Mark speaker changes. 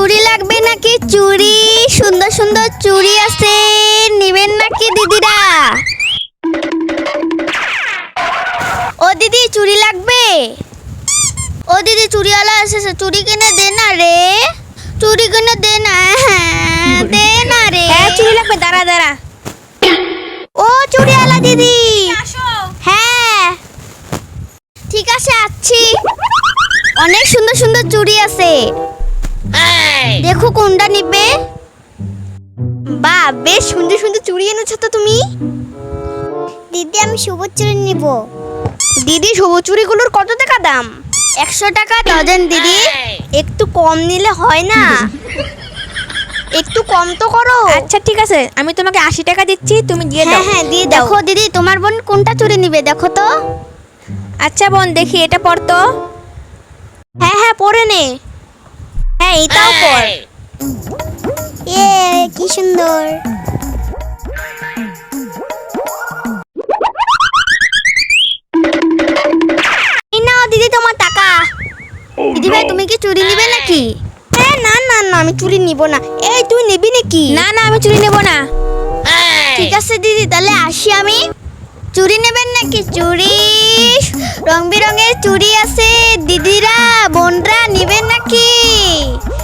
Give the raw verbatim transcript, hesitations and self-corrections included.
Speaker 1: চুড়ি লাগবে নাকি? চুড়ি, সুন্দর সুন্দর চুড়ি আছে, নেবেন নাকি দিদিরা? ও দিদি চুড়ি লাগবে? ও দিদি চুড়িওয়ালা এসেছে, চুড়ি কিনে দে না রে, চুড়ি কিনে দে না। হ্যাঁ দে না রে।
Speaker 2: হ্যাঁ চুড়ি লাগবে, দাঁড়া দাঁড়া।
Speaker 1: ও চুড়িওয়ালা দিদি, হ্যাঁ ঠিক আছে আসছি। অনেক সুন্দর সুন্দর চুড়ি আছে, দেখো কোনটা নিবে। বাহ বেশ সুন্দর সুন্দর চুড়ি এনেছো তো তুমি। দিদি আমি সবুজ চুড়ি নিব। দিদি সবুজ চুড়িগুলোর কত টাকা দাম? একশো টাকা ডজন দিদি। একটু কম নিলে হয় না? একটু কম তো করো।
Speaker 2: আচ্ছা ঠিক আছে, আমি তোমাকে আশি টাকা দিচ্ছি, তুমি দিয়ে দাও।
Speaker 1: হ্যাঁ হ্যাঁ দিয়ে দাও। দেখো দিদি তোমার বোন কোনটা চুড়ি নিবে দেখো তো।
Speaker 2: আচ্ছা বোন দেখি এটা পর তো।
Speaker 1: হ্যাঁ হ্যাঁ পরে নে। হ্যাঁ এটাও পর। এ কি সুন্দর। এই নাও দিদি তোমার টাকা। দিদি ভাই তুমি কি চুড়ি নিবে নাকি? হ্যাঁ না না না আমি চুড়ি নিব না। এই তুই নিবি নাকি?
Speaker 2: না না আমি চুড়ি নেব না।
Speaker 1: ঠিক আছে দিদি তাহলে আসি আমি। চুড়ি নেবেন নাকি? চুড়ি, রং বেরঙের চুড়ি আছে, দিদিরা বোনরা নেবেন নাকি?